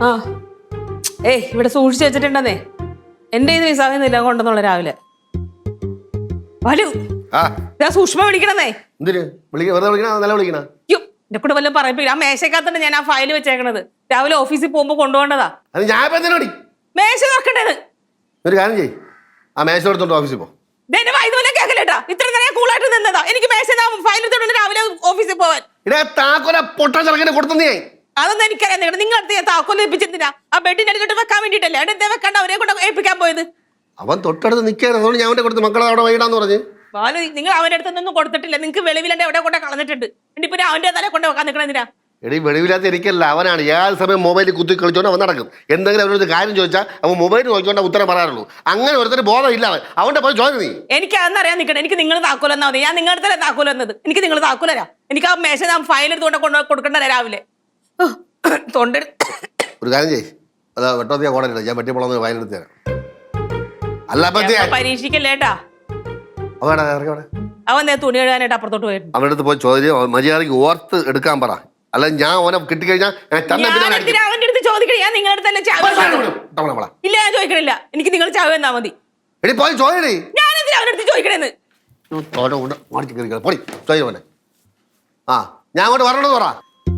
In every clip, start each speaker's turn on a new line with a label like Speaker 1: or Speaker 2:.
Speaker 1: ആ ഏയ് ഇവിടെ സൂക്ഷിച്ചു വെച്ചിട്ടുണ്ടെന്നേ എന്റെ ഇത് വിസാഖിന്നില്ല കൊണ്ടെന്നുള്ള രാവിലെ വലു സൂക്ഷ്മ വിളിക്കണന്നേ എന്റെ കൂടെ വല്ലതും പറയിപ്പില്ല ആ മേശക്കകത്തുണ്ട് ഞാൻ ആ ഫയൽ വെച്ചേക്കണത് രാവിലെ ഓഫീസിൽ പോകുമ്പോ കൊണ്ടുപോകേണ്ടതാ മേശ തുറക്കണ്ടേന്ന്
Speaker 2: ഒരു കാര്യം ചെയ്യ് ആ മേശ എടുത്തോണ്ട് ഓഫീസിൽ പോ
Speaker 1: കേൾക്കലേട്ടാ ഇത്ര നേരം കൂളായിട്ട് നിന്നതാ എനിക്ക് മേശ ഫയൽ എടുത്തോണ്ട് രാവിലെ ഓഫീസിൽ പോവാൻ അതൊന്നും എനിക്കറിയാം നിങ്ങൾ അടുത്ത് ഞാൻ താക്കോല് ഏൽപ്പിച്ചെന്തിനാ ആ ബെഡിന്റെ അടുത്തോട്ട് വെക്കാൻ വേണ്ടിട്ടല്ലേ അടുത്ത് വെക്കണ്ട അവരെ കൊണ്ട് ഏൽപ്പിക്കാൻ പോയത്
Speaker 2: അവൻ തൊട്ടടുത്ത് നിൽക്കാൻ അതുകൊണ്ട് ഞാൻ കൊടുത്ത് മക്കളെ അവിടെ വൈകിടാന്ന് പറഞ്ഞു
Speaker 1: ബാലു നിങ്ങൾ അവന്റെ അടുത്തൊന്നും കൊടുത്തിട്ടില്ല നിങ്ങൾക്ക് വെളിവിലെ എവിടെ കൊണ്ട് കളഞ്ഞിട്ടുണ്ട് ഇപ്പൊ അവന്റെ തല കൊണ്ട് വെക്കാൻ നിൽക്കണെന്തിനാ
Speaker 2: എടീ വെളിവില്ലാത്ത എനിക്കല്ല അവനാണ് ഏത് സമയം മൊബൈലിൽ കുത്തി കളിച്ചോണ്ട് അവൻ നടക്കും എന്തെങ്കിലും അവനൊരു കാര്യം ചോദിച്ചാൽ അവൻ മൊബൈൽ നോക്കിക്കൊണ്ട് ഉത്തരം പറയാറുള്ളൂ അങ്ങനെ ഒരുത്തരം ബോധം ഇല്ല അവന്റെ പോയി ചോദിച്ചു നീ
Speaker 1: എനിക്ക് അതെന്നറിയാൻ നിൽക്കണം എനിക്ക് നിങ്ങൾ താക്കോലെന്നാ മതി ഞാൻ നിങ്ങളുടെ തന്നെ താക്കോൽ വന്നത് എനിക്ക് നിങ്ങൾ താക്കോലരാ എനിക്ക് ആ മേശ ഞാൻ ഫയൽ എടുത്തുകൊണ്ട് കൊണ്ട് കൊടുക്കണ്ടേ രാവിലെ തൊണ്ട
Speaker 2: ഒരു കാര്യം ചെയ്യ് അതാ വെട്ടോത്തിയ കോടല്ല ഞാൻ വെട്ടിപ്പോളന്ന് ഫയൽ എടുത്ത് തരാം അല്ല
Speaker 1: പരീക്ഷിക്കല്ലേട്ടാ അവൻ തുണി എഴുതാനായിട്ട് അപ്പുറത്തോട്ട് പോയിരുന്നു
Speaker 2: അവൻ്റെ അടുത്ത് പോയി ചോദ്യം മര്യാദയ്ക്ക് ഓർത്ത് എടുക്കാൻ പറ അല്ല ഞാൻ ഓനെ കിട്ടിക്കഴിഞ്ഞാൽ
Speaker 1: അവന്റെ അടുത്ത് ചോദിക്കണേ ഞാൻ നിങ്ങളുടെ അടുത്തല്ലേ ഇല്ല ഞാൻ ചോദിക്കണില്ല എനിക്ക് നിങ്ങൾ ചാവ് തന്നാ മതി
Speaker 2: പോയി ചോദിക്കണേ
Speaker 1: ഞാനെന്തിനാ അവന്റെ അടുത്ത് ചോദിക്കണേന്ന്
Speaker 2: ആ ഞാൻ അങ്ങോട്ട് വരണത് പറ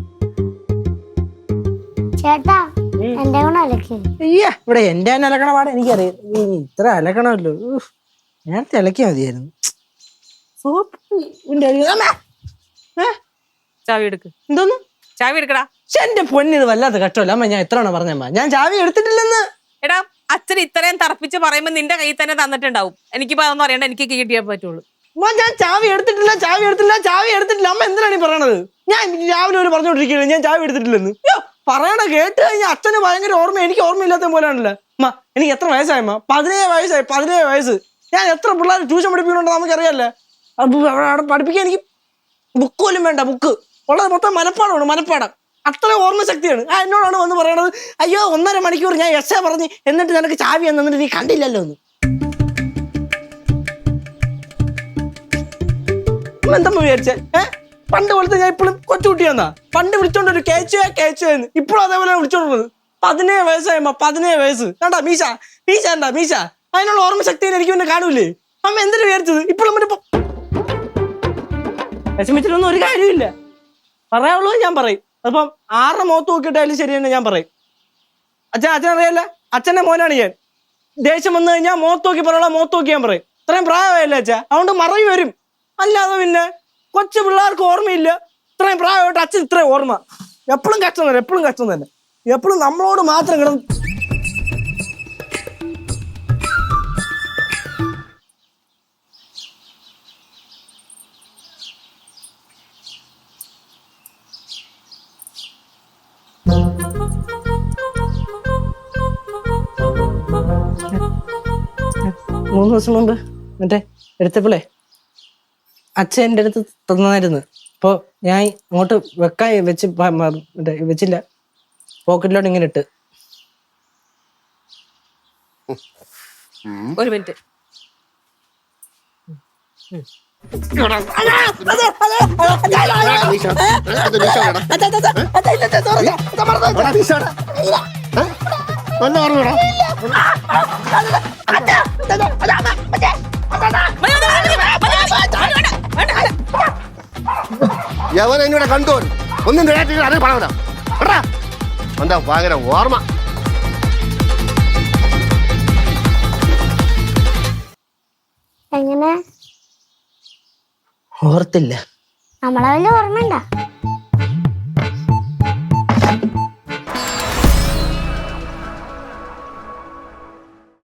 Speaker 3: ചേട്ടാ എന്റെ
Speaker 4: ഇവിടെ എന്റെ തന്നെ അലക്കണ പാടെ എനിക്കറിയാം ഇത്ര അലക്കണമല്ലോ നേരത്തെ അലക്കിയാ മതിയായിരുന്നു
Speaker 1: ചാവി എടുക്ക്
Speaker 4: എന്തോന്ന്
Speaker 1: ചാവി എടുക്കടാ
Speaker 4: എന്റെ പൊന്നിത് വല്ലാത്ത കഷ്ടമല്ല അമ്മ ഞാൻ എത്ര പറഞ്ഞമ്മ ഞാൻ ചാവി എടുത്തിട്ടില്ലെന്ന്
Speaker 1: എടാ അച്ഛൻ ഇത്രയും തറപ്പിച്ച് പറയുമ്പോ നിന്റെ കയ്യിൽ തന്നെ തന്നിട്ടുണ്ടാവും എനിക്കിപ്പോ അതൊന്നും അറിയണ്ട എനിക്ക് കിട്ടിയേ പറ്റുള്ളൂ
Speaker 4: ഞാൻ ചാവി എടുത്തിട്ടില്ല അമ്മ എന്തിനാണ് ഈ പറയണത് ഞാൻ രാവിലെ ഒരു പറഞ്ഞോണ്ടിരിക്കുന്നത് ഞാൻ ചാവി എടുത്തിട്ടില്ലെന്ന് പറയണ കേട്ട് കഴിഞ്ഞാൽ അച്ഛന് ഭയങ്കര ഓർമ്മ എനിക്ക് ഓർമ്മയില്ലാത്ത പോലെയാണല്ലോ അമ്മ എനിക്ക് എത്ര വയസ്സായമ്മ 17 വയസ്സ് ഞാൻ എത്ര പിള്ളേർ ട്യൂഷൻ പഠിപ്പിക്കുന്നുണ്ടോ നമുക്കറിയാല്ലേ അവിടെ പഠിപ്പിക്കാൻ എനിക്ക് ബുക്ക് പോലും വേണ്ട ബുക്ക് ഉള്ളത് മൊത്തം മനപ്പാടം അത്ര ഓർമ്മ ശക്തിയാണ് എന്നോടാണ് വന്ന് പറയണത് അയ്യോ 1.5 മണിക്കൂർ ഞാൻ എസ്സേ പറഞ്ഞ് എന്നിട്ട് നിനക്ക് ചാവി എന്നിട്ട് നീ കണ്ടില്ലല്ലോ എന്ന് എന്താ വിചാരിച്ചേ പണ്ട് പോലത്തെ ഞാൻ ഇപ്പോഴും കൊച്ചുകുട്ടിയാന്നാ പണ്ട് വിളിച്ചോണ്ട് ഒരു കേച്ചുവെന്ന് ഇപ്പോഴും അതേപോലെ വിളിച്ചോണ്ടത് 17 വയസ്സായമ്മ 17 വയസ്സ് കണ്ടാ മീശ അതിനുള്ള ഓർമ്മ ശക്തി എനിക്ക് പിന്നെ കാണൂലേ അമ്മ എന്തിനു വിചാരിച്ചത് ഇപ്പോഴും വിഷമിച്ചിട്ടൊന്നും ഒരു കാര്യമില്ല പറയാനുള്ളത് ഞാൻ പറയും അപ്പം 6 മുഖത്ത് നോക്കിയിട്ടായാലും ശരി തന്നെ ഞാൻ പറയും അച്ഛനറിയാല്ല അച്ഛൻ്റെ മോനാണ് ഞാൻ ദേഷ്യം വന്നു കഴിഞ്ഞാൽ മുഖത്ത് നോക്കി ഞാൻ പറയും ഇത്രയും പ്രായമായില്ല അച്ഛാ അതുകൊണ്ട് മറവി വരും അല്ലാതെ പിന്നെ കൊച്ചു പിള്ളേർക്ക് ഓർമ്മയില്ല ഇത്രയും പ്രായമായിട്ട് അച്ഛൻ ഇത്രയും ഓർമ്മ എപ്പോഴും കഷ്ടം തന്നെ എപ്പോഴും നമ്മളോട് മാത്രം കിടന്ന് മൂന്ന് ദിവസം മുമ്പ് മറ്റേ എടുത്തപ്പോളേ അച്ഛൻ എൻ്റെ അടുത്ത് തന്നായിരുന്നു അപ്പോൾ ഞാൻ അങ്ങോട്ട് വെക്കാൻ വെച്ചില്ല പോക്കറ്റിലോട്ട് ഇങ്ങനെ ഇട്ട്
Speaker 1: ഒരു മിനിറ്റ്
Speaker 2: യവൻ എന്നോട് കണ്ടു ഒന്നും അത് പണം എന്താ ഭയങ്കര ഓർമ്മ
Speaker 3: എങ്ങനെ
Speaker 4: ഓർത്തില്ല
Speaker 3: നമ്മളെ വല്ല ഓർമ്മ